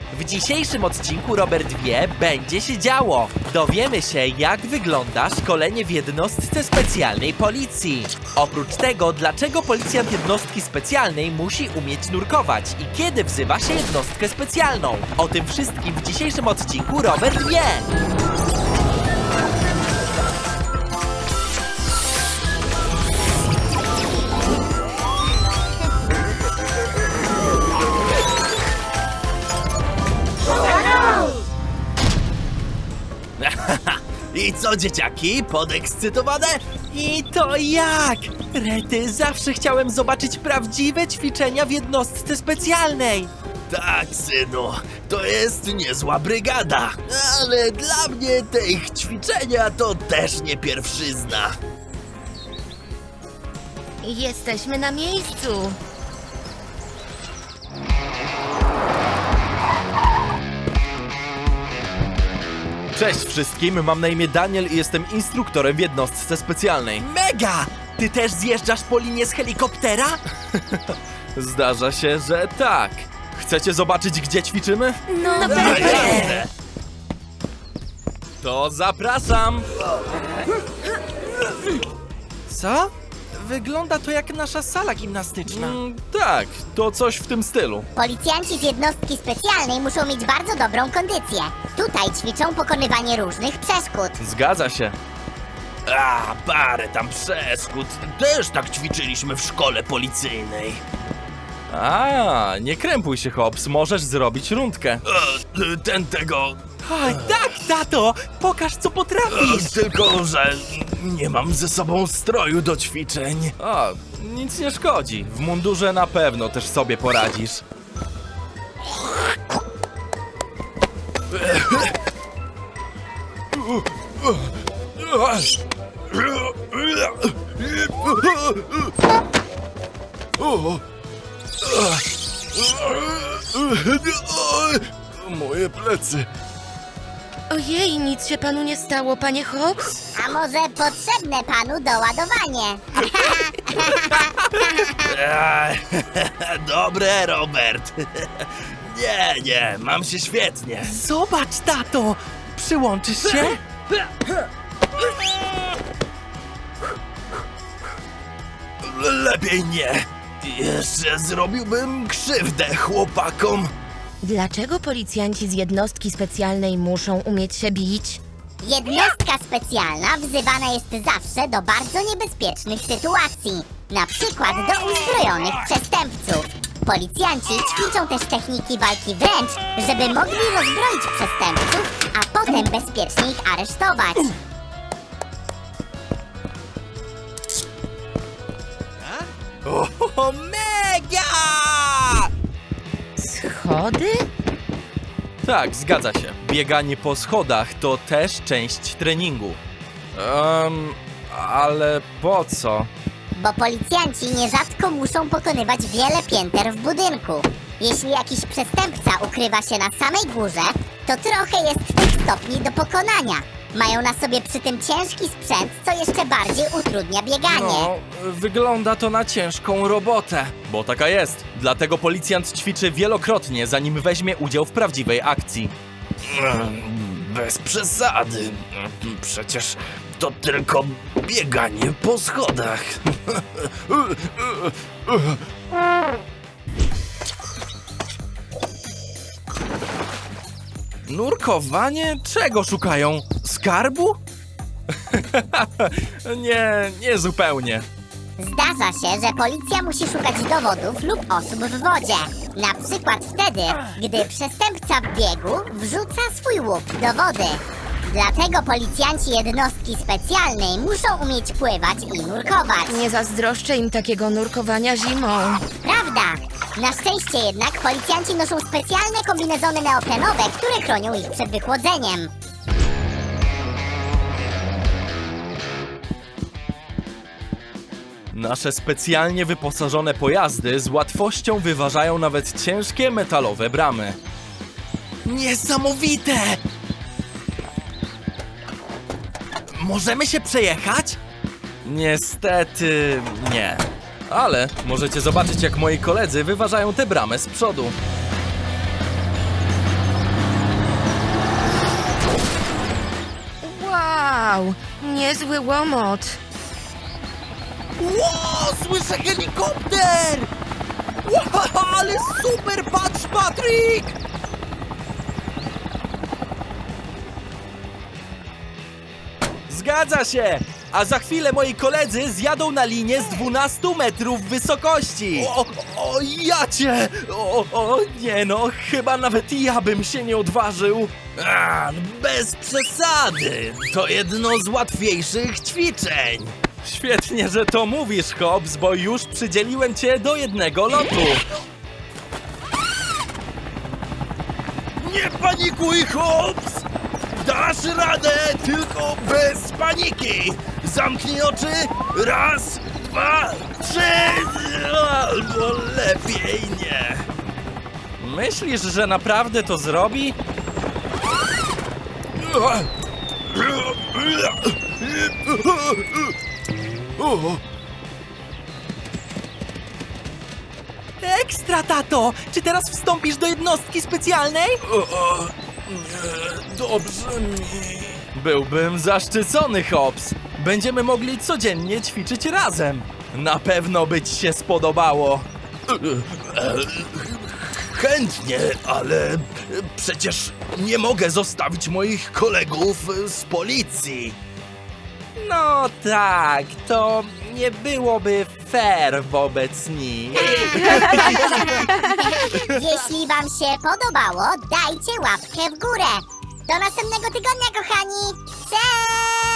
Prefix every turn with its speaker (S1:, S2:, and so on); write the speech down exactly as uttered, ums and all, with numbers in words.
S1: W dzisiejszym odcinku Robert wie, będzie się działo. Dowiemy się, jak wygląda szkolenie w jednostce specjalnej policji. Oprócz tego, dlaczego policjant jednostki specjalnej musi umieć nurkować i kiedy wzywa się jednostkę specjalną. O tym wszystkim w dzisiejszym odcinku Robert wie. I co, dzieciaki? Podekscytowane? I to jak? Rety, zawsze chciałem zobaczyć prawdziwe ćwiczenia w jednostce specjalnej.
S2: Tak, synu, to jest niezła brygada, ale dla mnie te ich ćwiczenia to też nie pierwszyzna.
S3: Jesteśmy na miejscu.
S1: Cześć wszystkim, mam na imię Daniel i jestem instruktorem w jednostce specjalnej. Mega! Ty też zjeżdżasz po linie z helikoptera? Zdarza się, że tak. Chcecie zobaczyć, gdzie ćwiczymy?
S3: No, no
S2: Jasne.
S1: To zapraszam! Co? Wygląda to jak nasza sala gimnastyczna. Mm, tak, to coś w tym stylu.
S4: Policjanci z jednostki specjalnej muszą mieć bardzo dobrą kondycję. Tutaj ćwiczą pokonywanie różnych przeszkód.
S1: Zgadza się.
S2: A, parę tam przeszkód. Też tak ćwiczyliśmy w szkole policyjnej.
S1: A, nie krępuj się, Hobbs, możesz zrobić rundkę.
S2: E, ten tego...
S1: Oj, tak, tato! Pokaż, co potrafisz!
S2: E, tylko, że nie mam ze sobą stroju do ćwiczeń.
S1: O, nic nie szkodzi. W mundurze na pewno też sobie poradzisz.
S2: Moje plecy.
S3: Ojej, nic się panu nie stało, panie Hobbs?
S4: A może potrzebne panu doładowanie?
S2: Ej, Dobre, Robert. Nie, nie, mam się świetnie.
S1: Zobacz, tato! Przyłączysz się?
S2: Lepiej nie. Jeszcze zrobiłbym krzywdę chłopakom.
S3: Dlaczego policjanci z jednostki specjalnej muszą umieć się bić?
S4: Jednostka specjalna wzywana jest zawsze do bardzo niebezpiecznych sytuacji. Na przykład do uzbrojonych przestępców. Policjanci ćwiczą też techniki walki wręcz, żeby mogli rozbroić przestępców, a potem bezpiecznie ich aresztować.
S1: O, mega!
S3: Schody?
S1: Tak, zgadza się. Bieganie po schodach to też część treningu. Um, ale po co?
S4: Bo policjanci nierzadko muszą pokonywać wiele pięter w budynku. Jeśli jakiś przestępca ukrywa się na samej górze, to trochę jest tych stopni do pokonania. Mają na sobie przy tym ciężki sprzęt, co jeszcze bardziej utrudnia bieganie.
S1: No, wygląda to na ciężką robotę. Bo taka jest. Dlatego policjant ćwiczy wielokrotnie, zanim weźmie udział w prawdziwej akcji.
S2: Bez przesady. Przecież to tylko bieganie po schodach.
S1: Nurkowanie? Czego szukają? Skarbu? nie, nie zupełnie.
S4: Zdarza się, że policja musi szukać dowodów lub osób w wodzie. Na przykład wtedy, gdy przestępca w biegu wrzuca swój łup do wody. Dlatego policjanci jednostki specjalnej muszą umieć pływać i nurkować.
S3: Nie zazdroszczę im takiego nurkowania zimą.
S4: Prawda! Na szczęście jednak policjanci noszą specjalne kombinezony neoprenowe, które chronią ich przed wychłodzeniem.
S1: Nasze specjalnie wyposażone pojazdy z łatwością wyważają nawet ciężkie metalowe bramy. Niesamowite! Możemy się przejechać? Niestety nie. Ale możecie zobaczyć, jak moi koledzy wyważają tę bramę z przodu.
S3: Wow, niezły łomot.
S1: Ło, słyszę helikopter! Ło, ale super, patrz, Patryk! Zgadza się! A za chwilę moi koledzy zjadą na linię z dwunastu metrów wysokości! O, o, ja cię! O, o, nie no, chyba nawet ja bym się nie odważył.
S2: A, bez przesady. To jedno z łatwiejszych ćwiczeń.
S1: Świetnie, że to mówisz, Hobbs, bo już przydzieliłem cię do jednego lotu.
S2: Nie panikuj, Hobbs! Dasz radę, tylko bez paniki! Zamknij oczy! Raz, dwa, trzy! Albo lepiej nie!
S1: Myślisz, że naprawdę to zrobi? Ekstra, tato! Czy teraz wstąpisz do jednostki specjalnej?
S2: O, nie, dobrze mi.
S1: Byłbym zaszczycony, Hobbs. Będziemy mogli codziennie ćwiczyć razem. Na pewno by ci się spodobało.
S2: Chętnie, ale przecież nie mogę zostawić moich kolegów z policji.
S1: No tak, to nie byłoby fair wobec nich.
S4: Jeśli wam się podobało, dajcie łapkę w górę. Do następnego tygodnia, kochani. Cześć!